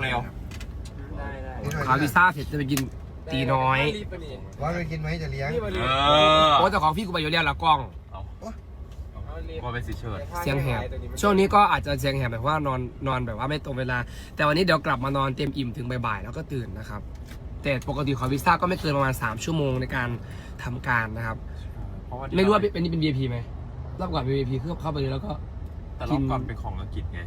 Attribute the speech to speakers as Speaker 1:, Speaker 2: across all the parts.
Speaker 1: เร็ว
Speaker 2: ได้
Speaker 3: ขอวีซ่าเสร็จจะไปกินตีน้อย
Speaker 4: ว่าไปกินไหมจะเลี้ยง
Speaker 3: โอ้แต่ของพี่กูไปอยู่เรียนละกล้อง
Speaker 1: ว่าเป็นสีเชิด
Speaker 3: เสียงแหบช่วงนี้ก็อาจจะเสียงแหบแบบว่านอนแบบว่าไม่ตรงเวลา แต่วันนี้เดี๋ยวกลับมานอนเต็มอิ่มถึงบ่ายๆแล้วก็ตื่นนะครับแต่ปกติขอวีซ่าก็ไม่เกินประมาณ3 ชั่วโมงในการทำการนะครับไม่รู้ว่าเป็นนี่เป็น VIP ไหมรอบก่อนเป็น VIP คือเข้าไปเลยแล้วก็
Speaker 1: แต่รอบก่อนเป็นของอังกฤษไง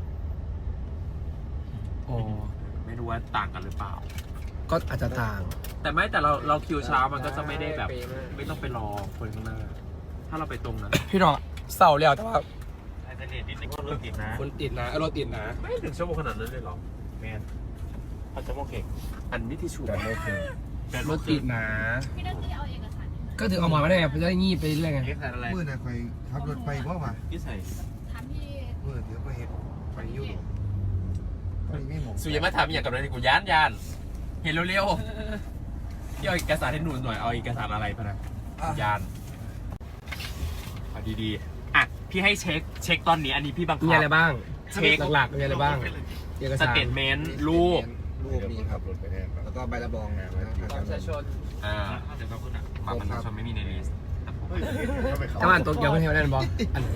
Speaker 3: อ๋อ
Speaker 1: ไม่รู้ว่าต่างกันหรือเปล่า
Speaker 3: ก็อาจจะต่าง
Speaker 1: แต่ไม่แต่เราคิวเช้ามันก็จะไม่ได้แบบ ไม่ต้องไปรอคนข้างหน้าถ้าเราไปตรงนั้น
Speaker 3: พี่น้องเศร้าแล้วแต่ว่า
Speaker 1: อาจจะเลทนิดนึงก็รถติดนะ
Speaker 3: คนติดนะรถติดนะ
Speaker 1: ไม่ถึงชั่วโมงขนาดนั้นเลยหรอแมนอาจจะโอเคอันนี้ที่ชูแบบโอเค
Speaker 3: รถติดนะ
Speaker 5: พี่นักที่เอาเอกสาร
Speaker 3: ก็ถึงเอามาไม่ได้ไงจะได้งีบไปเรื่อยไง
Speaker 1: นี่ใส่อะไร
Speaker 4: มือน่ะคอยขับรถไปเพราะว่า
Speaker 1: นี่ใส่
Speaker 5: ถามพี่
Speaker 4: มือเดี๋ยวไปเห็นไปยุ่งไปไม่หมด
Speaker 1: สุยามาถามอย่างกับอะไรกูย่านเห็นเร็วๆพี่เอาเอกสารให้หนูหน่อยเอาเอกสารอะไรพะนะยานเอาดีๆอ่ะพี่ให้เช็คตอนนี้อันนี้พี่บังคับ
Speaker 3: มีอะไรบ้าง
Speaker 1: เช็ค
Speaker 3: หลักๆมีอะไรบ้างเอก
Speaker 1: ส
Speaker 3: สาร
Speaker 1: เตทเมนต์รูป
Speaker 4: รูปนี้ครับรถไปแทนแล้วก็ใบรับรองนะ
Speaker 2: ประชาชน
Speaker 1: เดี๋ยวก็พูดอ่ะบางประชาชนไม่มีในลิสต์
Speaker 3: ถ้าอ่านตัวเดียวไม่เท่านั้นบออัน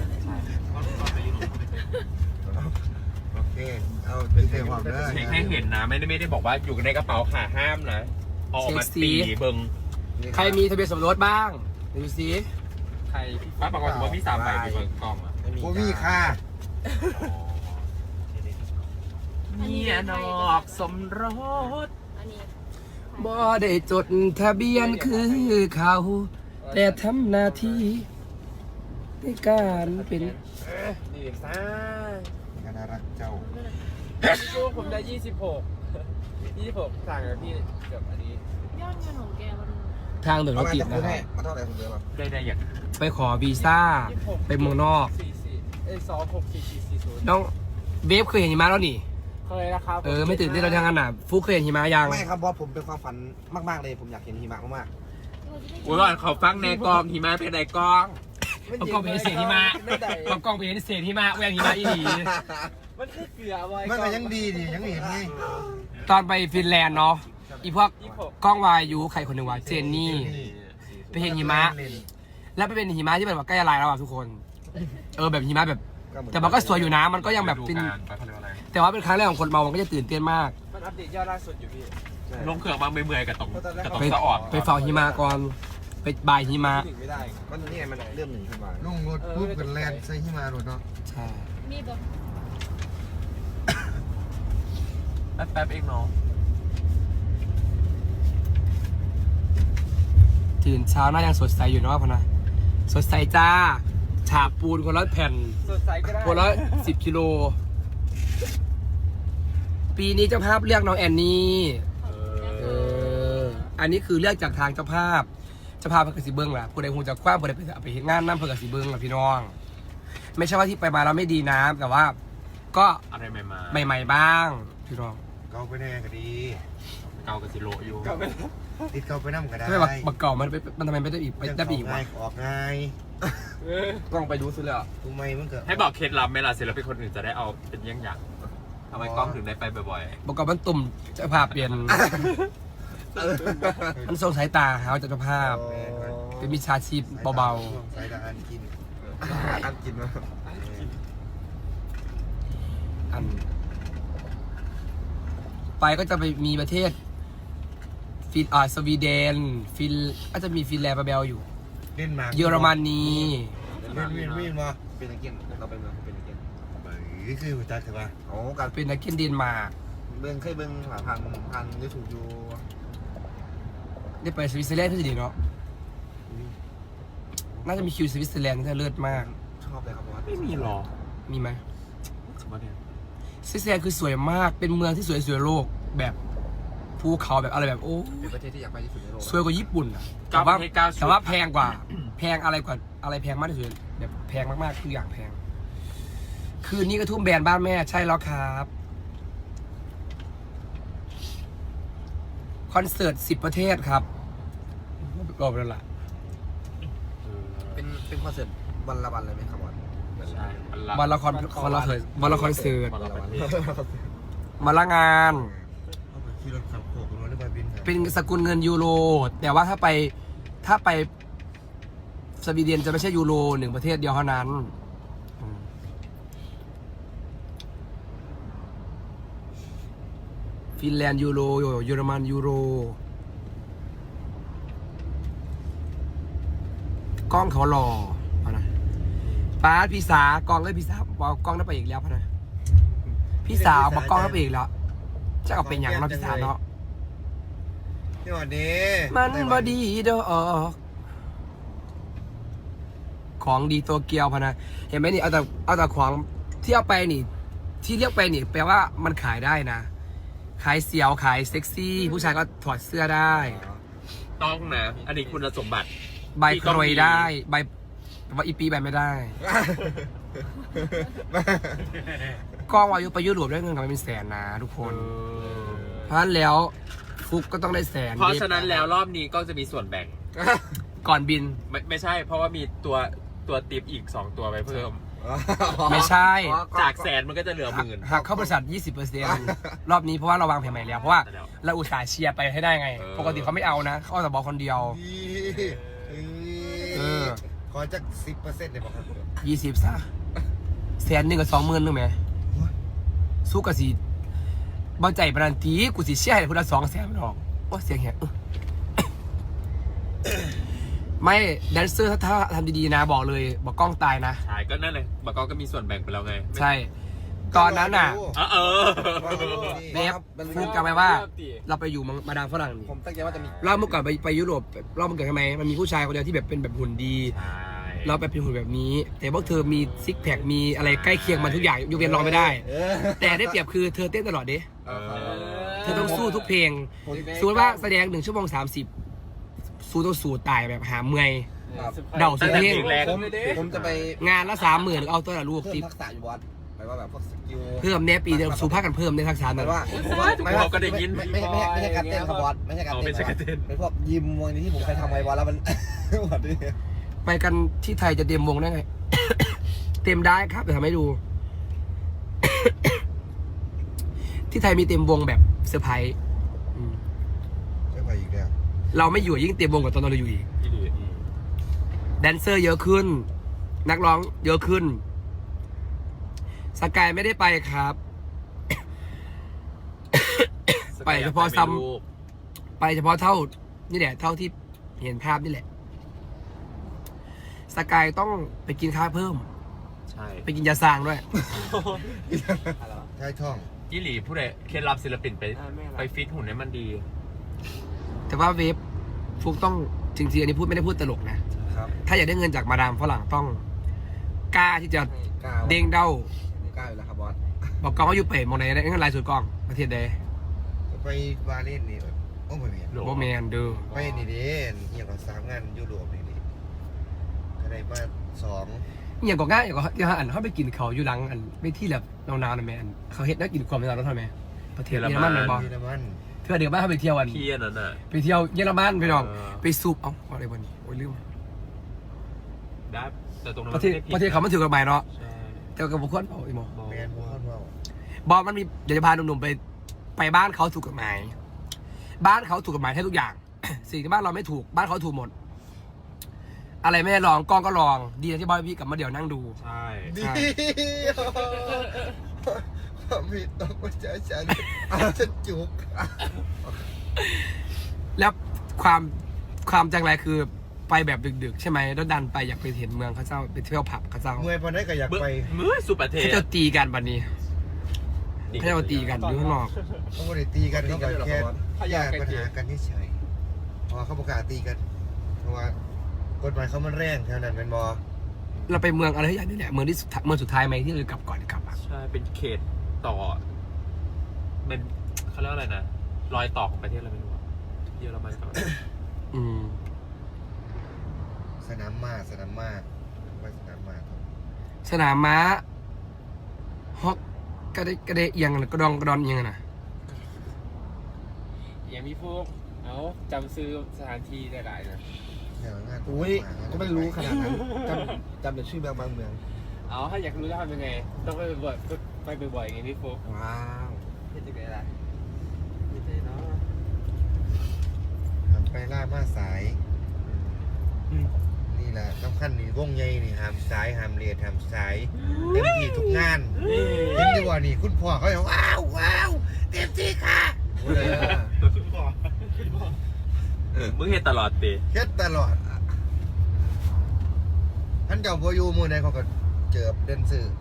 Speaker 4: โอเคเอาเป็นเซฟความได้
Speaker 1: เช็คให้เห็นนะไม่ได้บอกว่าอยู่ในกระเป๋าขาห้ามนะเอาออกมาตีเบิง
Speaker 3: ใครมีทะเบียนสมรสบ้างดูสิ
Speaker 1: ใครป้าบอกว่าถือว่าพี่3 ใบเป็นเบิงกล้องอ่ะ
Speaker 4: กูมีค่า
Speaker 1: เมียนอกสมรส
Speaker 5: อันนี้
Speaker 3: บ่ได้จดทะเบียนคือเขา แต่ทำหน้าที่ในการเป็น
Speaker 2: ดีซ่า
Speaker 4: น่ารักเจ้า
Speaker 2: ช่วงผมได้26ต่างกับพี่เกือบอันนี้
Speaker 5: ยอดเงินของแกมัน
Speaker 3: ทางเดินรถติดนะครับ
Speaker 4: มาเท่าไหร่ผมเดียว
Speaker 1: ได้อย่าง
Speaker 3: ไปขอวีซ่าไปเมืองนอก
Speaker 2: 264440
Speaker 3: น้องเวฟเคยเห็นหิมะแล้วนี่
Speaker 2: เคยนะครับ
Speaker 3: ไม่ตื่นเต้นเราทางนั้นน่ะฟุกเคยเห็นหิมะยัง
Speaker 4: ไม่ครับบอสผมเป็นความฝันมากๆเลยผมอยากเห็นหิมะมาก
Speaker 1: อุ้ยก่อนเขาฟังในกองหิมะเป็นในกอง
Speaker 3: เอากล้องไปเห็นเศษหิมะเอากล้องไปเห็นเศษหิมะแหวงหิมะอีหลี
Speaker 2: มันคือเกลือบ่อย
Speaker 4: มันก็ยังดีดิยังเห็นไง
Speaker 3: ตอนไปฟินแลนด์เนาะอีพวกกล้องวายุใครคนหนึ่งวะเจนนี่ ไปเห็นหิมะ แล้วไปเป็นหิมะที่แบบว่าใกล้ละลายแล้วอ่ะทุกคน แบบหิมะแบบ แต่มันก็สวยอยู่นะมันก็ยังแบบเป็นแต่ว่าเป็นครั้งแรกของคนเมามันก็จะตื่นเต้นมาก
Speaker 2: มันอัปเดตยอดล่าสุดอยู่พี่
Speaker 1: ลงเครื่องมาเมื่อยๆกับตรง
Speaker 3: ไป
Speaker 1: สะออด
Speaker 3: ไปเฝ้าหิมะก่อนไปบายหิมะ
Speaker 2: ถึงไม่ได้
Speaker 4: ก็นี่ไงมันเริ่มหนึ่งขึ้นมาลงรถปุ๊บกันแลนใส่หิมะรถเนาะ
Speaker 3: ใช่
Speaker 5: มีแบบ
Speaker 1: แป๊บเองเนาะ
Speaker 3: ตื่นเช้าหน้ายังสดใสอยู่เนาะพะนะสดใสจ้าฉาบปูนคนละแผ่น
Speaker 2: สดใสก็ได้
Speaker 3: คนละ10 กิโลปีนี้เจ้าภาพเลือกน้องแอนนี่อันนี้คือเลือกจากทางเจ้าภาพเจ้าภาพเพื่อกสิเบิ้งล่ะผู้ใดคงจะคว้าผู้ใดไปเห็นงานน้ำเพื่อกสิเบิ้งล่ะพี่น้อง ไม่ใช่ว่าที่ไปมาแล้วไม่ดีนะแต่ว่าก็
Speaker 1: อะไรใหม่มา
Speaker 3: ใหม่ๆบ้างพี่น้อง
Speaker 4: เกาไปแน่ก็ดี
Speaker 1: เกากับซิโรอยู่
Speaker 4: ติดเกาไปน้ำก็ได้
Speaker 3: ทำไมบักเก่ามันทำไมไม่ได้อีกไปได้อีกวะ
Speaker 4: ออกง่าย
Speaker 3: กล้องไปดูซิเลยอ่ะ
Speaker 4: ทำไมมันเกิด
Speaker 1: ให้บอกเคล็ดลับไหมล่ะศิลปินคนอื่นจะได้เอาเป็นเยี่ยงอย่างทำไมกล้องถึงได้ไปบ่อย
Speaker 3: บักเก่ามันตุ่มเจ้าภาพเปลี่ยนมันทรงสายตาเขาจากเจ้าภาพเป็นมิจฉาชีพเบา
Speaker 4: สายตาอันกินอันกินมา
Speaker 3: ๆอันไปก็จะไปมีประเทศสวีเดนก็จะมีฟินแลนด์มาเบลอยู่
Speaker 4: เล่นมา
Speaker 3: เยอรมนี
Speaker 4: เล่นวิ่งมาเป็นนักเก็ตเราเป็นนักเก็ตนี่คือหัวใจใช่ป่ะโอ้การ
Speaker 3: เป็นนักเก็ตเดนมาร์ก
Speaker 4: เบิ้งเคยเบิ้งหาทางยูทูบอยู่
Speaker 3: ได้ไปสวิตเซอร์แลนด์ที่ดีเนาะน่าจะมีคิวสวิตเซอร์แลนด์ที่เลิศมาก
Speaker 4: ชอบเลยครับว่า
Speaker 1: ๆไม่มีหรอ
Speaker 3: มีไหม
Speaker 1: สมมติเนี่ย
Speaker 3: สวิตเซอร์แลนด์คือสวยมากเป็นเมืองที่สวยที่สุดในโลกแบบภูเขาแบบอะไรแบบโอ้
Speaker 4: เป็นประเทศที่อยากไปที่สุดในโลก
Speaker 3: สวยกว่าญี่ปุ่นอะ
Speaker 1: เก้าประเทศเก้าชุด
Speaker 3: แต่ว่าแพงกว่า แพงอะไรกว่าอะไรแพงมากที่สุดแบบแพงมากๆทุกอย่างแพง คืนนี้ก็ทุ่มแบรนด์บ้านแม่ใช่แล้วครับคอนเสิร์ต10 ประเทศครับรอบแล้วล่ะ
Speaker 4: เป็นคอนเสิร์ตวันละวันเลยไหมครับวัน
Speaker 1: ใช่
Speaker 3: วันละครเสิร์ต
Speaker 1: วันละประเทศ
Speaker 3: มาละงาน
Speaker 4: เอาไปขี่รถขับโขกรถหรือว่าบิน
Speaker 3: เป็นสกุลเงินยูโร แต่ว่าถ้าไปสวีเดนจะไม่ใช่ยูโรหนึ่งประเทศเดียวเท่านั้นฟินแลนด์ยูโรเยอรมันยูโรกล้องเขาหล่อพะนะป้าพี่สากล้องเลยพี่สาบอกกล้องได้ไปอีกแล้วพะนะพี่สาวบอกกล้องได้ไปอีกแล้วจะเอาเป็นอย่างเนาะพี่สาวเนาะ
Speaker 4: นี่วันนี้
Speaker 3: มันบอดีดอกของดีตัวเกียวพะนะเห็นไหมนี่เอาแต่ของที่เอาไปนี่ ที่เรียกไปนี่แปลว่ามันขายได้นะขายเสียวขายเซ็กซี่ ผู้ชายก็ถอดเสื้อได้
Speaker 1: ต้องนะ อันนี้คุณสมบัติ
Speaker 3: ใบกรวยได้ใบแต่ว่าอีปีใบไม่ได้กล้องวายุไปยุโรปได้เงินกันเป็นแสนนะทุกคนเพราะฉะนั้นแล้วฟุกก็ต้องได้แสน
Speaker 1: เพราะฉะนั้นแล้วรอบนี้ก็จะมีส่วนแบ่ง
Speaker 3: ก่อนบิน
Speaker 1: ไม่ใช่ เพราะว่ามีตัวติปอีก 2 ตัวไปเพิ่ม
Speaker 3: ไม่ใช่
Speaker 1: จากแสนมันก็จะเหลือ 10,000
Speaker 3: หักเข้าบริษัท 20% รอบนี้เพราะว่าเราวางแผนใหม่แล้วเพราะว่าเราอุตส่าห์เชียร์ไปให้ได้ไง ปกติเขาไม่เอานะเขาเอาแต่บอกคนเดียว
Speaker 4: ขอจัก10%เลยบอกครับ
Speaker 3: 20ซะแสนหนึ่งกับ20,000นึงไหมสู้กับสีบอลใจปรันตีกูสิเชียร์ให้คนละ200,000มันออกโอ้เสียงแหบไม่แดนเซอร์ถ้าทำดีๆนะบอกเลยบอกกล้องตายนะ
Speaker 1: ใช่ก็นั่นเลยบากก็มีส่วนแบ่งไปแล้วไง
Speaker 3: ใช่ ตอนนั้นน่ะ
Speaker 1: เออ
Speaker 3: เนฟพูดกันไปว่า เราไปอยู่มาดามฝรั่งนี่
Speaker 2: ผมตั้งใจว่าจะมี
Speaker 3: รอบเมื่อก่อนไปยุโรปรอบเมื่อก่อนทำไมมันมีผู้ชายคนเดียวที่แบบเป็นแบบหุ่นดี
Speaker 1: ใช่
Speaker 3: เราไปเป็นหุ่นแบบนี้ แต่พวกเธอมีซิกแพคมีอะไรใกล้เคียงมันทุกอย่างยกเว้นร้องไม่ได้ แต่ได้เปรียบคือเธอเต้นตลอดเด้
Speaker 1: เออ
Speaker 3: เธอต้องสู้ทุกเพลงสมมติว่าแสดง1 ชั่วโมง 30สู้ต้องสู้ตายแบบหาเมื่อย เดาสุดเพลง
Speaker 2: ผมจะไป
Speaker 3: งานละ30,000เอาตัวละลูก
Speaker 2: เพิ่
Speaker 3: ติ
Speaker 2: มทักษะอยู่บอสหมายว่าแบบพวกสกิล
Speaker 3: เพิ่มเนี่ยปีเดียวสู้ภาคกันเพิ่มในทักษะ
Speaker 2: ห
Speaker 3: นั้
Speaker 2: มาย
Speaker 3: น
Speaker 2: ว่า
Speaker 1: เขาก็ได้ยิน
Speaker 2: ไม่ใช่การเต้นครับบอสไม่ใช่การ
Speaker 1: เอา
Speaker 2: เต้น
Speaker 1: เป็นสกัดเต้น
Speaker 2: เป็นพวกยิมวันนี้ที่ผมเคยทำไว้บอสแล้วมัน หมดเลย
Speaker 3: ไปกันที่ไทยจะเต็มวงได้ไง เต็มได้ครับเดี๋ยวทำให้ดู ที่ไทยมีเต็มวงแบบเซอร์ไพรส์อืม
Speaker 4: จะไปอีกแล้ว
Speaker 3: เราไม่อยู่ยิ่งเต็มวงกว่าตอนเราอยู่อีกแดนเซอร์เยอะขึ้น นักร้องเยอะขึ้น สกายไม่ได้ไปครับ ไปเฉพาะซ้ำไปเฉพาะเท่านี่แหละเท่าที่เห็นภาพนี่แหละ สกายต้องไปกินข้าวเพิ่ม
Speaker 1: ใช่
Speaker 3: ไปกินยาซางด้วย
Speaker 4: ใช่ช่อง
Speaker 1: ยี่หลีผู้ใดเคล็ดลับศิลปินไปฟิตหุ่นให้มันดี
Speaker 3: แต่ว่าเวฟฟุกต้องจริงๆอันนี้พูดไม่ได้พูดตลกนะ
Speaker 2: ครับ
Speaker 3: ถ้าอยากได้เงินจากมาดามฝรั่งต้องกล้าที่จะ
Speaker 2: ก้าว
Speaker 3: เด้งเด้า
Speaker 2: ก้าวอยู่แล้วครับบอส
Speaker 3: บอกกองว่าอยู่เป๋มองไหนได้เงินรายสุดกองประเทศใด
Speaker 4: ไปวาเล่นนี่โอ้ไม่มี
Speaker 3: โบแมนเด้อ
Speaker 4: ไปนี่ดิอย่างกับ3 งานยุโรปนี่ดิก็ได้มา2
Speaker 3: อย่างก็ง่ายอย่างก็ที่อันเขาไปกินเขาอยู่หลังอันไม่ที่แบบนานๆนะแม่อันเขาเฮ็ดนักกินความนานแล้วทำไมประเทศเยอรมันเลยบอก
Speaker 4: เยอรมัน
Speaker 3: เธอเดี๋ยวบ้านเขาไปเที่ยวอัน
Speaker 1: พี่อันนั้นน่ะ
Speaker 3: ไปเที่ยวเยอรมันไปน้อง
Speaker 1: เออ
Speaker 3: ไปซูปเอ้าอะไรวันนี้โอ้ยลืม
Speaker 1: ได้แต่ตรงนั้น
Speaker 3: ประเทศเขามันถือกฎหมายเนาะ
Speaker 1: ใช่
Speaker 3: แต่กับบุคคลเอาอีโม
Speaker 4: แมนพวกเขาว่า
Speaker 3: บอกมันมีเดี๋ยวจะพาหนุ่มๆไปบ้านเขาถูกกฎหมาย บ้านเขาถูกกฎหมายให้ทุกอย่าง สิ่งที่บ้านเราไม่ถูกบ้านเขาถูกหมด อะไรไม่ได้ลองกล้องก็ลอง ดีนะที่บอยพี่กลับมาเดี๋ยวนั่งดู
Speaker 1: ใช่
Speaker 4: ดีมีต้องมาเจอฉันจะจุก
Speaker 3: แล้วความจังไรคือไปแบบดึกๆ ใช่ไหมแล้วดันไปอยากไปเห็นเมืองเขาเจ้าไปเที่ยวผับเขาเจ้า
Speaker 4: เมื่อยพอได้ก็อยากไป
Speaker 1: มือสุประเทศ
Speaker 3: เขาเจ้าตีกันบัดนี้เขาเจ้าตีกันอยู่ข้างนอก
Speaker 4: เขาไม่ได้ตีกันเขาก็แค่แยกปัญหากันเฉยเพราะเขาประกาศตีกันเพราะว่ากฎหมายเขามันแรงเท่านั้นเป็นบอ
Speaker 3: เราไปเมืองอะไรอย่างนี้แหละเมืองที่เมืองสุดท้ายไหมที่เรากลับก่อนกลับอ่ะ
Speaker 1: ใช่เป็นเขตต่อเป็นเขาเรียกอะไรนะรอยต่อของประเทศอะไรไม่รู้อะเยอรมันกับ
Speaker 3: อืม
Speaker 4: สนามม้าไปสนามม้า
Speaker 3: สนามม้าฮอกกระเดะเอียงกระดอนเอียงนะ
Speaker 2: อย่างพี่พวกเอาจำซื้อสถานที่ได้หลายนะ
Speaker 4: งาน
Speaker 2: อุ้ยก็ไม่รู้ขนาดนั้นจำแต่ชื่อบางเมืองเอาถ้าอยากรู้จะทำยังไงต้องไปบ่อยๆอย่างนี้พี่พวก
Speaker 4: ว้าว
Speaker 2: เป็นยังไงล่ะมีใจเนาะ
Speaker 4: หามไปล่ามาสายนี่แหละสำคัญนี่วงใหญ่นี่หามสายหามเลียดหามสายเต็มที่ทุกงานเห็นดีว่านี่คุณพ่อเขาบอกว้าวเต็มที่ค่ะ
Speaker 1: มึงเห็นตลอดตี
Speaker 4: เฮ็ดตลอดท่านเจ้าโบอยูมือใดเขาก็เจอเดนสื่อ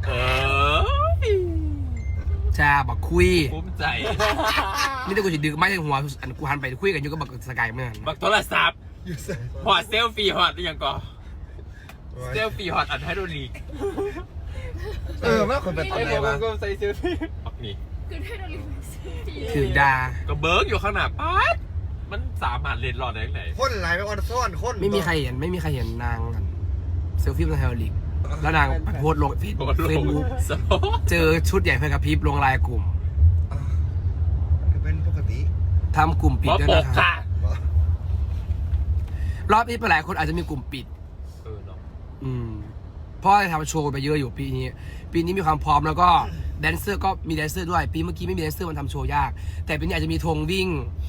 Speaker 3: จ้าบักคุย
Speaker 1: ภูมิใจ
Speaker 3: นี่ถ้ากูจะดึกไม่ถึงหัวอันกูหันไปคุยกันอยู่ก็บักสกายเมื่อนั้น
Speaker 1: บักโทรศัพท์
Speaker 4: อยู่ใส่
Speaker 1: หอดเซลฟี่หอดหรือยังก่อนเซลฟี่หอดอันไฮโดรลิก
Speaker 4: ว่าคนเป็นตอน
Speaker 2: ไอ้
Speaker 4: ไหน
Speaker 2: ผม
Speaker 4: วะ
Speaker 2: ก็ใส่เสื้อพี่
Speaker 1: บักนี่
Speaker 5: คือได้โดนลิมซื้อปี
Speaker 3: ถือดา
Speaker 1: ก็เบิร์กอยู่ข้างหน้าป๊าดมันสามารถเล่นรอดได้ยังไง
Speaker 4: คนหลายไปออนซ่อนคน
Speaker 3: ไม่มีใครเห็นนางกันเซลฟี่บนไฮโอลิกแล้วนางไปโพสต์ลงเฟซ
Speaker 1: โค
Speaker 3: บุ๊ก
Speaker 1: สโล
Speaker 3: เจอชุดใหญ่ไฟกระพริบลงไลน์กลุ่ม
Speaker 4: มันเป็นปกติ
Speaker 3: ทำกลุ่มปิ
Speaker 1: ห
Speaker 3: ด
Speaker 1: มอ
Speaker 3: ด้วย
Speaker 1: ปก
Speaker 3: นะครับ
Speaker 1: ค่ะ
Speaker 3: รอบนี้ไปหลายคนอาจจะมีกลุ่มปิด
Speaker 1: เนาะ
Speaker 3: เพราะทำโชว์ไปเยอะอยู่ปีนี้มีความพร้อมแล้วก็แดนเซอร์ก็มีแดนเซอร์ด้วยปีเมื่อกี้ไม่มีแดนเซอร์มันทำโชว์ยาก แต่ปีนี้อาจจะมีธงวิ่ง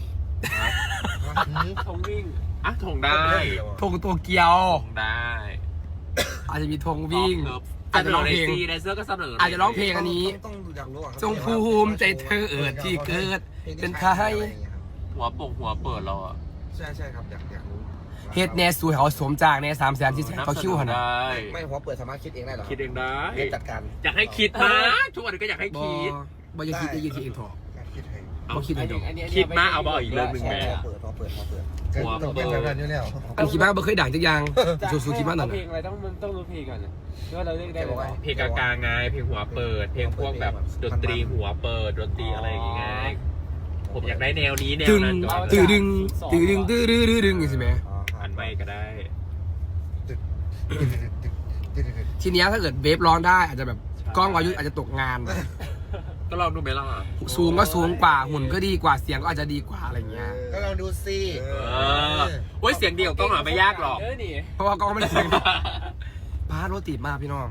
Speaker 2: ทงวิ่ง
Speaker 1: อ่ะถงได้
Speaker 3: ธงตัวเกียว
Speaker 1: ถงได้
Speaker 3: อาจจะมีธงวิ่ง
Speaker 1: อาจจะร้องเพลงแดนเซอร์ก็เสนอ
Speaker 3: อาจจะร้องเพลงอันนี้
Speaker 4: ต้องอยากรู้อะครับ
Speaker 3: จงภูมิใจเธอที่เกิดเป็นไทย
Speaker 1: หัวเปิดเราอ่ะ
Speaker 4: ใช่ครับอยากรู้
Speaker 3: เฮ็ดแน่สวยเขาสมจากแน่300,000ที่เขาคิ้วหัน
Speaker 1: ได้
Speaker 6: ไม่หัวเปิดสามารถคิดเองได้เหรอ
Speaker 1: คิดเองได้
Speaker 6: เรียนจัดการ
Speaker 1: อยากให้คิดนะทุกวันนี้ก็อยากให้
Speaker 3: บอ
Speaker 1: คิด
Speaker 3: บอยาคิดได้ยืนที่เองถอ
Speaker 4: การคิดให้
Speaker 3: บ่คิดให้ดอก
Speaker 1: คิดมาเอาบ่อีกเรื่องหนึ่งแม่
Speaker 6: หัวเปิด
Speaker 4: ก็ต้องเป็นแบบนั้นอยู่แล้ว
Speaker 3: อันคิดมากบ่เคยด่างจักอย่างสู้ๆคิดมากนั่น
Speaker 2: เพล
Speaker 3: น่ะ
Speaker 2: งอะไรต้องรู้เพลงก่อนนะว่าเราเลือกได้หรือเปล่า
Speaker 1: เพลงกลางๆไงเพลงหัวเปิด เพลงพวกแบบดนตรีหัวเปิดดนตรีอะไรอย่างเงี้ยผมอยากได้แนวนี้แนว
Speaker 3: ตึง
Speaker 1: นั้นก่อน
Speaker 3: ตื้อดึงตื้อดึงตื้อดื้อดื้อดึงอย่างนี้ใช่ไหม
Speaker 1: อันไม่ก็ได้
Speaker 3: ทีเนี้ยถ้าเกิดเวฟร้องได้อาจจะแบบกล้องวายุอาจจะตกงาน
Speaker 1: ก็ลองดูไหมล่ะ
Speaker 3: สูงก็สูงกว่าหุ่นก็ดีกว่าเสียงก็อาจจะดีกว่าอะไรเงี้ย
Speaker 4: ก็ลองดูสิ
Speaker 1: โอ้ยเสียงเดียวก็หาไม่ยากหรอก
Speaker 2: นี่
Speaker 3: เพราะว่ากล้องไม่ได้เสียงดีพาร์ทรถติดมากพี่น้อง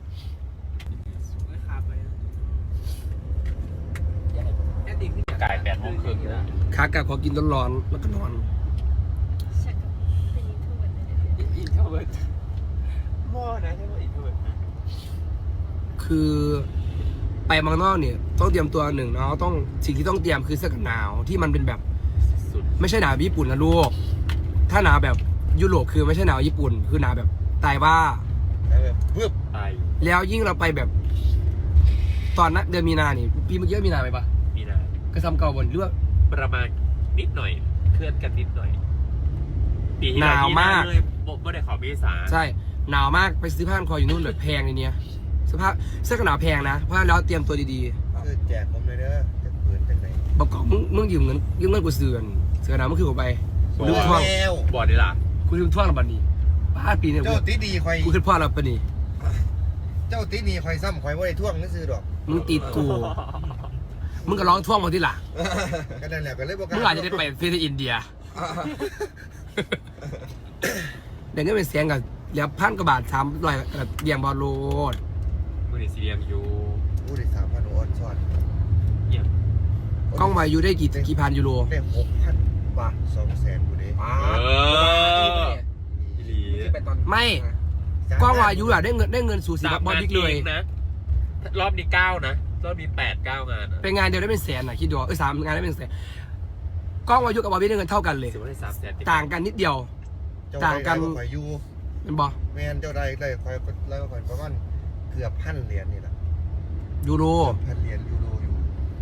Speaker 1: ไก่8 โมงครึ่งนะ
Speaker 3: ขากลับขอกินร้อนๆแล้วก็นอน
Speaker 5: ฉันกับเป็นยูทูบเบอร์เลย
Speaker 2: อินโทรเวิร์ดหม้อนะใช่ไหมอินโทรเวิร์ดนะ
Speaker 3: คือไปเมืองนอกเนี่ยต้องเตรียมตัวหนึ่งเนาะต้องสิ่งที่ต้องเตรียมคือเสื้อกันหนาวที่มันเป็นแบบ
Speaker 1: สุด
Speaker 3: ไม่ใช่หนาวญี่ปุ่นนะลูกถ้าหนาวแบบยุโรปคือไม่ใช่หนาวญี่ปุ่น คือหนาวแบบตายว่า
Speaker 4: แบบปึ๊บ
Speaker 1: ตาย
Speaker 3: แล้วยิ่งเราไปแบบ ตอนนั้นเดือนมีนานี่ปีเมื่อกี้มีนาไปปะ
Speaker 1: มีนะ
Speaker 3: กระซำเก่าบนเรื่อง
Speaker 1: ประมาณนิดหน่อยเคลื่อนกันนิดหน่อยปีที่
Speaker 3: หนาวมาก
Speaker 1: เลยบอกว่าได้ขอเมษา
Speaker 3: ใช่หนาวมากไปซื้อผ้าพันคออยู่นู่นเลยแพงเลยเนี่ยเสื้อผ้าเสื้อกันหนาวแพงนะเพราะฉะนั้นแล้วเตรียมตัวดี
Speaker 4: คือแจกผมเลยเด้อจะเปิดจังไหน
Speaker 3: ๆบอกก่อนมึงยืมเงินกูเสือนเสื้อกันหนาวเมื่อคืนผมไปกูลืมท่วง
Speaker 4: แล้ว
Speaker 1: บอกได้ล่ะ
Speaker 3: กูลืมท่วงแล้วบัดนี้ป้าปีเนี่ย
Speaker 4: เจ้าตีดีคอย
Speaker 3: กูขึ้นพ่อแล้วปะนี่
Speaker 4: เจ้าตีดีคอยซ้ำคอยว่าได้ท่วงนั่นซื้อดอก
Speaker 3: มึงติดกูมึงก็ร้องท่วงมาที่หลัง
Speaker 4: ก็นั่นแหละก็เลยบอก
Speaker 3: มึงอาจจะได้ไปฟิลิปปินส์อินเดียเดี๋ยวนี้เป็นเสียงกับเหลือ1,000 กว่าบาท300กับเบี่ยงบอลโลด
Speaker 1: มือนี่ซีเรียมอยู่
Speaker 4: พูดได้3,000ออนซ่อน
Speaker 1: เยี่ยม
Speaker 3: กล้องวายุได้กี่พันยูโร
Speaker 4: ได้6,000 บาท200,000กูเด้
Speaker 1: อีหลี
Speaker 6: เป็นตอน
Speaker 3: ไม่กล้องวายุอะได้เงินสู่สีบอลบิ๊กเลย
Speaker 1: นะรอบนี้9นะรอบนี้8-9 งานนะ
Speaker 3: เป็นงานเดียวได้เป็นแสนอะคิดดู3 งานได้เป็นแสนกล้องวายุกับบอลบิ๊กได้เงินเท่ากันเลย
Speaker 1: ถือว่าได้300,000
Speaker 3: ต่างกันนิดเดียว
Speaker 4: เจ้า
Speaker 3: ต่างกัน
Speaker 4: คอยอยู่
Speaker 3: เป็นบอ
Speaker 4: แม่นเจ้าได้คอยแล้วก็คอยประมาณเกือบ1,000 เหรียญนี่แหละ
Speaker 3: ยูโร
Speaker 4: 1,000 เหรียญยูโรอยู่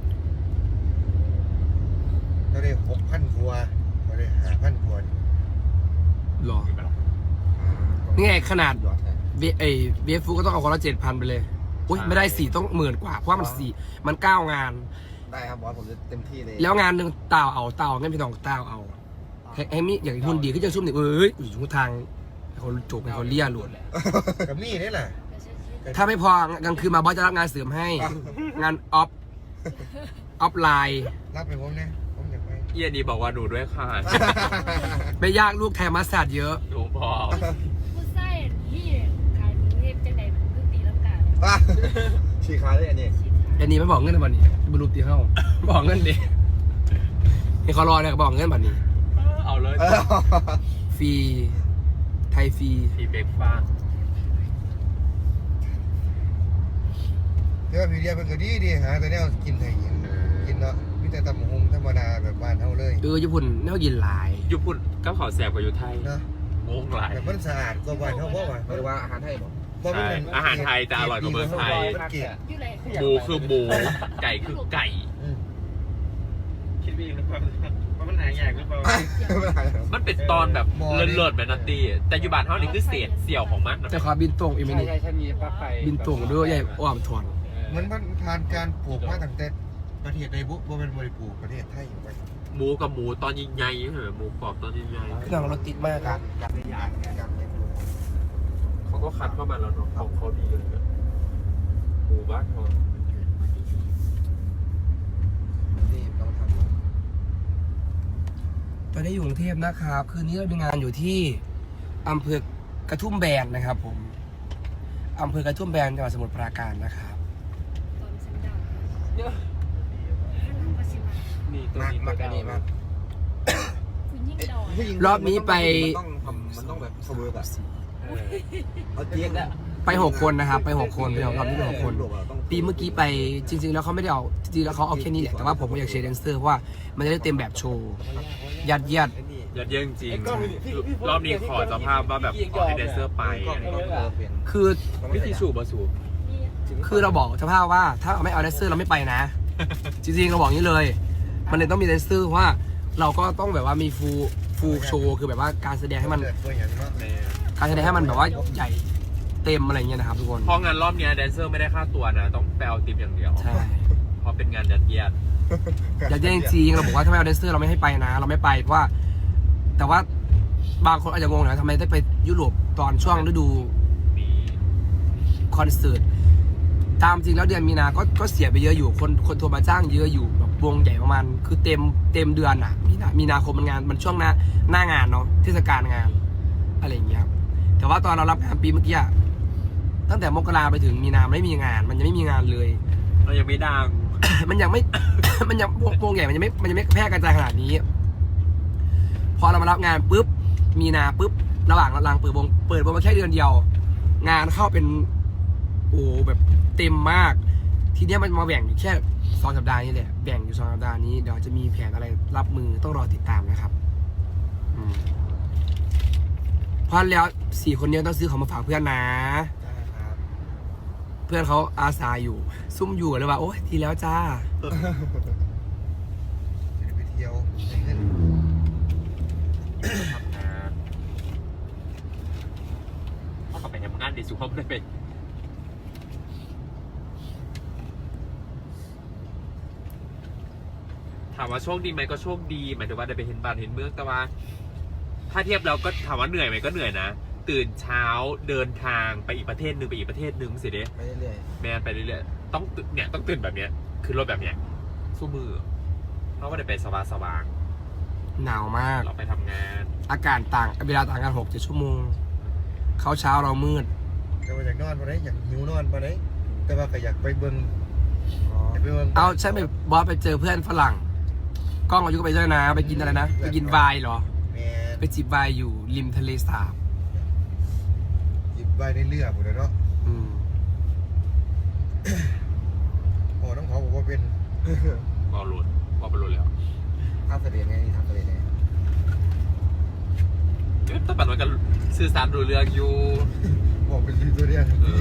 Speaker 4: เราได้ 6,000 กว่าเราได้ 5,000 กว่า
Speaker 3: หรอนี่ไงขนาดเบฟฟูก็ต้องเอาคนละ7,000ไปเลยอุ้ยไม่ได้4ต้อง10,000 กว่าเพราะว่ามัน9 งาน
Speaker 6: ได้ครับบอสผมจะเต็มที่เลย
Speaker 3: แล้วงานหนึ่งเต่างั้นพี่น้องเต่าเอาให้มีอย่างหุ่นดีขึ้นจะซุ่มนี่อยู่ทางเขาจบให้เขาเลี่ยหลุด
Speaker 4: กับมี่นี่แหละ
Speaker 3: ถ้าไม่พอกลางคืนมาบอสจะรับงานเสริมให้ งานออฟไลน์
Speaker 4: รับไปผมเนี่ยผมอยากไป
Speaker 1: เยี่ยนี่บอกว่าหนูด้วยค่ะ
Speaker 3: ไม่ยากลูกไทยมัสตาร์ดเยอะ
Speaker 1: หนูพอ
Speaker 5: ผู้ใส่นี่ขายมือเทพจังใดมันคือตีลังกา
Speaker 6: ชีคาได้อันนี้
Speaker 5: ชีทา
Speaker 3: อันนี้ไม่บอกเงินบัดนี้บรูปตีเข้าบอกเงินดินี่เขารอเนี่ยบอกเงินบัดนี้
Speaker 1: เอาเลย
Speaker 3: ฟรีไทยฟรี
Speaker 1: พี่เบกฟ้าง
Speaker 4: เดี๋ยวพี่เดียเป็นก็ดีหาแต่แนวกินไทยกินเนาะมีแต่ตำหงธรรมดาแบบบ้านเฮาเลย
Speaker 3: ญี่ปุ่นแนวยินหลาย
Speaker 1: ญี่ปุ่นก็ขอแสบกว่าอยู่ไทย
Speaker 4: เนาะ
Speaker 1: โง่หลาย
Speaker 4: แต่มันสะอาดกว่าบ้านเฮาบ่ว่า
Speaker 6: หรือว่าอาหารไทยบอก
Speaker 1: ใช่อาหารไทยจะอร่อยกว่าเมืองไทย
Speaker 4: มันเกลียด
Speaker 5: อยู่ไหน
Speaker 1: หมูคือหมู ไก่คือไก่
Speaker 2: คิดว่าหรือเปล่าว่ามันหายากหรือเปล่า
Speaker 1: มันเป็นตอนแบบเลิศๆแบบนัตตี้แต่อยู่บ้านเท่านี้คือเศษเสี่ยวของมันน่ะ
Speaker 3: แต่ขอบินตรงอีกไหม
Speaker 2: ใช่
Speaker 3: นี่
Speaker 2: ใช่ใช่มีปลั๊กไฟ
Speaker 3: บินตรงด้วยใหญ่อ้อมถอน
Speaker 4: มันผ่านการปลูกมาตั้งแต่ประเทศใดบุบ่เป็นบริปลูกประเทศไทยอยู่ไป
Speaker 1: หมูกับหมูตอนใหญ่ๆเหรอหมูกรอบตอนใหญ่
Speaker 3: พี่น้องรถติดมากครับ
Speaker 1: ๆเขาก็คัดเข้ามาแล้วเนาะของเขาดีเลยนะหมูบ้านเขา
Speaker 6: ที่ต้องทำ
Speaker 3: ตอนนี้อยู่กรุงเทพนะครับ คืนนี้เรามีงานอยู่ที่อำเภอกระทุ่มแบนนะครับผมอำเภอกระทุ่มแบนจังหวัดสมุทรปราการนะครับ
Speaker 5: ตอนฉันดาวฮัลโหลมาสิมา
Speaker 2: นี่ตัว
Speaker 6: มาก
Speaker 2: นี้
Speaker 6: มาก
Speaker 2: ตัว
Speaker 6: อันนี้มาก
Speaker 5: คุณยิ่งดอน
Speaker 3: รอบนี้ไป
Speaker 6: มันต้องแบบเสมอแบบ
Speaker 2: เออ
Speaker 6: เอาเจี๊ยบอะ
Speaker 3: ไป6 คนนะครับไป6 คนไปรอบนี้ไป6 คน ปีเมื่อกี้ไปจริง ๆ แล้วเขาไม่ได้เอาจริงๆแล้วเขาเอาแค่นี้แหละแต่ว่าผมก็อยากเชียร์แดนเซอร์เพราะว่ามันจะได้เต็มแบบโชว์ยัดเยียด
Speaker 1: ยอดเยี่ยมจริงรอบนี้ขอเจ้าภาพว่าแบบขอให้แดนเซอร์ไปอะไรอย่างเงี้ย
Speaker 3: คือ
Speaker 1: วิธีสูบบะสูบ
Speaker 3: คือเราบอกเจ้าภาพว่าถ้าไม่เอาแดนเซอร์เราไม่ไปนะ จริงๆเราบอกอย่างนี้เลย มันเลยต้องมีแดนเซอร์เพราะว่าเราก็ต้องแบบว่ามีฟูลโชว์คือแบบว่าการแสดงให้มัน
Speaker 4: เกิดตัวอย่างเนาะ
Speaker 3: การแสดงให้มันแบบว่าใหญ่เต็มอะไรเงี้ยนะครับทุกคน
Speaker 1: เพราะงานรอบเนี้ยแดนเซอร์ไม่ได้ค่าตัวนะ ต้องไปเอาติปอย่างเดียว
Speaker 3: ใช่
Speaker 1: เพราะเป็นงานยัดเยียด
Speaker 3: อยากแย่งจริงเราบอกว่าถ้าไม่เอาแดนเซอร์เราไม่ให้ไปนะ เราไม่ไปเพราะว่าแต่ว่าบางคนอาจจะงงนะทำไมได้ไปยุโรปตอนช่วงฤดู
Speaker 1: มี
Speaker 3: คอนเสิร์ตตามจริงแล้วเดือนมีนาก็เสียไปเยอะอยู่คนโทรมาจ้างเยอะอยู่แบบวงใหญ่ประมาณคือเต็มเดือนอ่ะมีนาคมมันงานมันช่วงหน้างานเนาะเทศกาลงานอะไรอย่างเงี้ยแต่ว่าตอนเรารับงานปีเมื่อกี้อะตั้งแต่มกราไปถึงมีนาไม่มีงาน มันยังไม่มีงานเลย
Speaker 1: เรายังไม่ดัง
Speaker 3: มันยังไม่ มันยังวงใหญ่มันยังไม่แพร่กระจายขนาดนี้ พอเรามารับงานปุ๊บมีนาปุ๊บระหว่างรังเปิดวงมาแค่เดือนเดียว งานเข้าเป็นโอ้แบบเต็มมาก ทีเนี้ยมันมาแบ่งอยู่แค่2 สัปดาห์นี้แหละแบ่งอยู่2 สัปดาห์นี้เดี๋ยวจะมีแผนอะไรรับมือต้องรอติดตามนะครับเพราะแล้ว4 คนนี้ต้องซื้อของมาฝากเพื่อนนะ เพื่อนเขาอาสาอยู่ ซุ่มอยู่เลยว่าโอ๊ยทีแล้วจ้า
Speaker 4: ไปเที่ยวไปเล่น
Speaker 1: ทำงานถ้ากลับไปทำงานดีสุขภาพไม่เป็นถามว่าโชคดีไหมก็โชคดีหมายถึงว่าได้ไปเห็นบ้านเห็นเมืองแต่ว่า ถ้าเทียบแล้วก็ถามว่าเหนื่อยไหมก็เหนื่อยนะตื่นเช้าเดินทางไปอีกประเทศหนึ่งไปอีกประเทศหนึ่งสิเด้
Speaker 6: ไปเรื่อย
Speaker 1: แมนไปเรื่อยๆต้องตื่นแบบเนี้ยคือรถแบบเนี้ยสู้มือเพราะว่าได้ไปสว่าง
Speaker 3: หนาวมาก
Speaker 1: เราไปทำงาน
Speaker 3: อากาศต่างเวลาต่างกัน6-7 ชั่วโมงเขาเช้าเรามืด
Speaker 4: แต่ว่าอยากนอนปะได้อยากหิวนอนปะได้แต่ว่าก็อยากไปเบิ่ง
Speaker 6: ๆอ๋อ
Speaker 4: อยากไปเบิ่ง
Speaker 3: เอาใช่ไหมบอสไปเจอเพื่อนฝรั่งกล้องอายุก็ไปด้วยนะ ไปกินอะไรนะไปกินไวน์เหรอ
Speaker 4: แม่
Speaker 3: ไปจิบไวน์อยู่ริมทะเลสาบ
Speaker 4: หยิบใบในเรือหมดเลยเนาะ
Speaker 3: อืม
Speaker 4: พอน้องเขาบอกว่าเป็น
Speaker 1: ก็หลุดก็ไปหลุดแล้ว
Speaker 6: ทำเสด็จไงนี่ทำเสด็จไง
Speaker 1: แต่ปัจจุบันก็สื่อสารรู้เรื่องอยู่
Speaker 4: บอกเป็นรีตัวเรียน
Speaker 1: เออ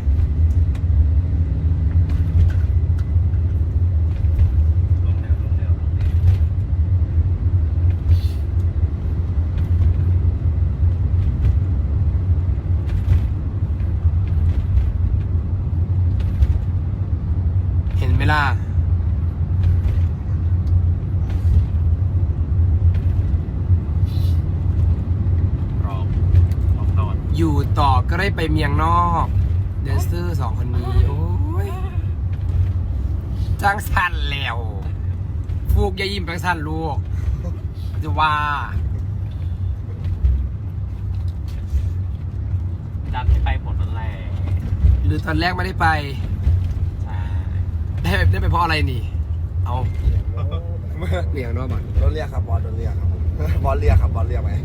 Speaker 3: เห็นไหมล่ะ
Speaker 1: ร้องนอน
Speaker 3: อยู่ต่อก็ได้ไปเมียงนอกแดนเซอร์2 คนนี้โอ้ยจังสันแล้วฟูกอย่ายิ้มจังสันลูกจะว่า
Speaker 1: ดันให้ไปหมดนั่นแหละ
Speaker 3: หรือตอนแรกไม่ได้ไป
Speaker 1: ใช่
Speaker 3: ได้ไปเพราะอะไรนี่ เอาเรียกเนาะบัตร
Speaker 6: โดนเรียกครับบอสโดนเรียกครับบอสเรียกครับบอสเรียกไหม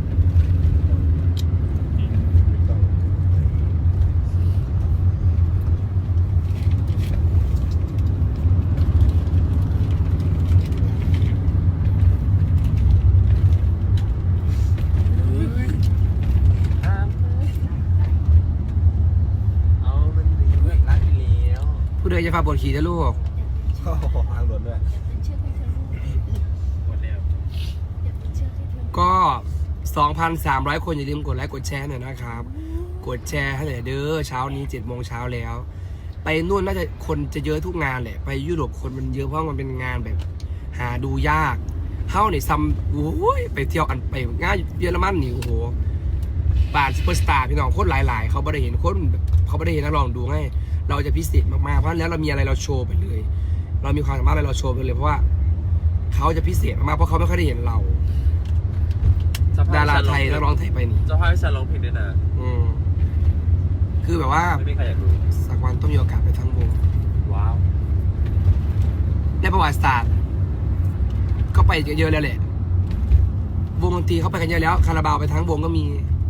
Speaker 2: เอามันดีรักไปแล้ว
Speaker 3: ผู้ใดจะพาปวดขี่นะลูก
Speaker 6: ชอบทางหลวนด้วย
Speaker 5: อยากเป็นเชือกให้เธอลูก
Speaker 1: หมดแล้ว
Speaker 5: อยากเป็นเชือกให้เธอ
Speaker 3: ก็ 2,300 คนอย่าลืมกดไลค์กดแชร์หน่อยนะครับ กดแชร์ให้หน่อยเด้อเช้านี้7 โมงเช้าแล้ว ไปนู่นน่าจะคนจะเยอะทุกงานแหละ ไปยุโรปคนมันเยอะเพราะมันเป็นงานแบบ หาดูยากเฮ้านี่ซัมโอ้ยไปเที่ยวอันไปงานเยอรมันนี่โอ้โหป่านซุปเปอร์สตาร์พี่น้องโคตรหลายๆเขาไม่ได้เห็นคนแบบเขาไม่ได้เห็นนักร้องดูให้เราจะพิเศษมากๆเพราะแล้วเรามีอะไรเราโชว์ไปเลย เรามีความสามารถอะไรเราโชว์ไปเลยเพราะว่าเขาจะพิเศษมากๆเพราะเขาไม่ค่อยได้เห็นเรา ดาราไทยนักร้องไทยไปนี่
Speaker 1: เจ้าภาพให้ฉันร้องเพลงด้วยนะ
Speaker 3: คือแบบว่า
Speaker 1: ไม่มีใครอยากรู้
Speaker 3: สักวันต้องมีโอกาสไปทั้งวง
Speaker 1: ว้าว
Speaker 3: ในประวัติศาสตร์ก็ไปเยอะแล้วแหละวงดนตรีเขาไปกันเยอะแล้วคาราบาวไปทั้งวงก็มี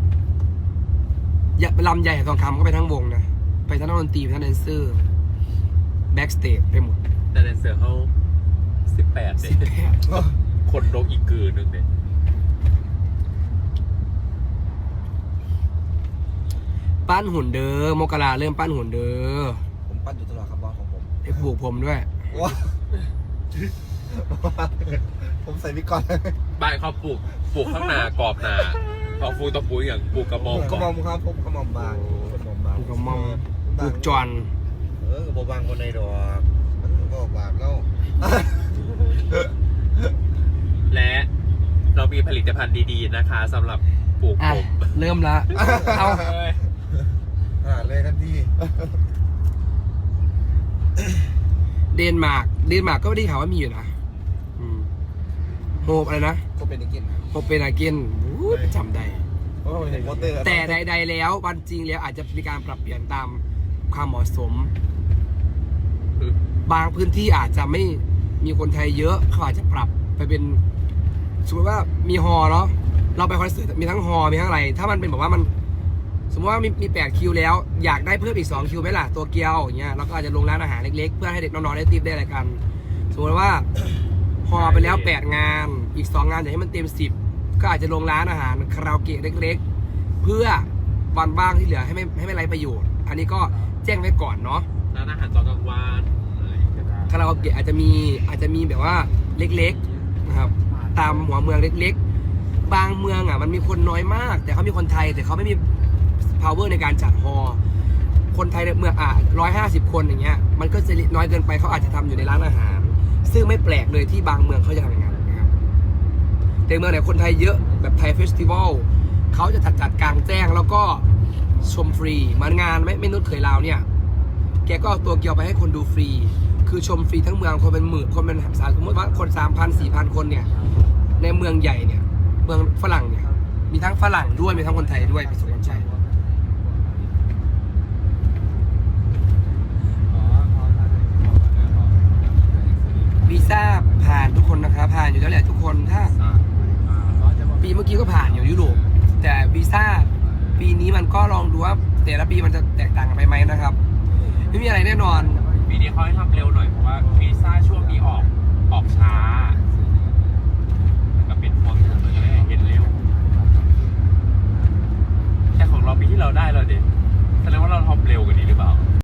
Speaker 3: ลำใหญ่ทองคำก็ไปทั้งวงนะไปทั้งนักดนตรีไปทั้งแดนเซอร์แบ็กสเตจไปหมด
Speaker 1: แต่ในเสือเขา18เด็คนโดกอีกกือนึงเด็
Speaker 3: ปั้นหุ่นเด้อมกราเริ่มปั้นหุ่นเด้อ
Speaker 6: ผมปั้นอยู่ตลอดครับบอสของผม
Speaker 3: ให้ปลูกผมด้วย
Speaker 6: ว้าผมใส่วิกก่อน
Speaker 1: บ้านเขาปลูกข้างหน้ากรอบหนาเอาฟูตะปูอย่างปลูกกระมอง
Speaker 6: กระหม่อมครับผมกระหม่อมบางกระหม่อมบาง
Speaker 3: ปลูกกระหม่อม ปลูกจอน
Speaker 4: กับบางคนในดอกมันก็บาปแล้ว
Speaker 1: และเรามีผลิตภัณฑ์ดีๆนะคะสำหรับปลูก
Speaker 3: อ่ะ
Speaker 1: ผม
Speaker 3: เริ่มละเอา
Speaker 4: เลยทันที
Speaker 3: เดนมาร์กก็ไม่ได้ข่าวว่ามีอยู่นะโฮปอะไรนะ
Speaker 6: ก็เป็นอีกกิน
Speaker 3: โฮปเป็นอาเกนจำได้
Speaker 6: เพราะผมเห็นโปสเตอร์
Speaker 3: แต่ใดๆแล้ววันจริงแล้วอาจจะมีการปรับเปลี่ยนตามความเหมาะสม บางพื้นที่อาจจะไม่มีคนไทยเยอะเขาอาจจะปรับไปเป็นสมมติว่ามีฮอลล์เนาะเราไปคอนเสิร์ตมีทั้งฮอลล์มีทั้งอะไร ถ้ามันเป็นแบบว่ามันสมมติว่ามี8 คิวแล้วอยากได้เพิ่มอีก2 คิวไหมล่ะตัวเกียวอย่างเงี้ยเราก็อาจจะลงร้านอาหารเล็กๆเพื่อให้เด็กน้องๆได้ติปได้อะไรกันสมมติว่าฮอลล์ไปแล้ว8 งานอีก2 งานอยากให้มันเต็ม10ก็อาจจะลงร้านอาหารคาราโอเกะเล็กๆเพื่อวันบ้างที่เหลือให้ไม่ไร้ประโยชน์ อันนี้ก็แจ้งไว้ก่อนเนาะ
Speaker 1: ร้านอาหารตอนกลางวันอะไรก็ได้
Speaker 3: คาราโอเกะอาจจะมีแบบว่าเล็กๆนะครับตามหัวเมืองเล็กๆบางเมืองอ่ะมันมีคนน้อยมาก แต่เขามีคนไทยแต่เขาไม่มี power ในการจัดฮอลล์คนไทยในเมือง150 คนอย่างเงี้ยมันก็จะน้อยเกินไปเขาอาจจะทำอยู่ในร้านอาหาร ซึ่งไม่แปลกเลยที่บางเมืองเขาจะทำอย่างนั้นนะครับแต่เมืองไหนคนไทยเยอะแบบไทยเฟสติวัลเขาจะจัดกลางแจ้งแล้วก็ชมฟรีเหมือนงานไม่นุชเขยลาวเนี่ยแกก็เอาตัวเกียวไปให้คนดูฟรีคือชมฟรีทั้งเมืองคนเป็นหมื่นคนเป็นสมมติว่าคน 3,000 4,000 คนเนี่ยในเมืองใหญ่เนี่ยเมืองฝรั่งเนี่ยมีทั้งฝรั่งด้วยมีทั้งคนไทยด้วยประสบการณ์ใจวีซ่าผ่านทุกคนนะครับผ่านอยู่แล้วแหละทุกคนถ้าปีเมื่อกี้ก็ผ่านอยู่ยุโรปแต่วีซ่าปีนี้มันก็ลองดูว่าแต่ละปีมันจะแตกต่างกันไปไหมนะครับไม่มีอะไรแน่นอน
Speaker 1: ปีนี้เขาให้ทำเร็วหน่อยเพราะว่าวีซ่าช่วงนี้ออกช้าก็เป็นพวงมันจะได้เห็นเร็วแต่ของเราปีที่เราได้เราเด็ดแสดงว่าเราทำเร็วกว่านี้หรือเปล่า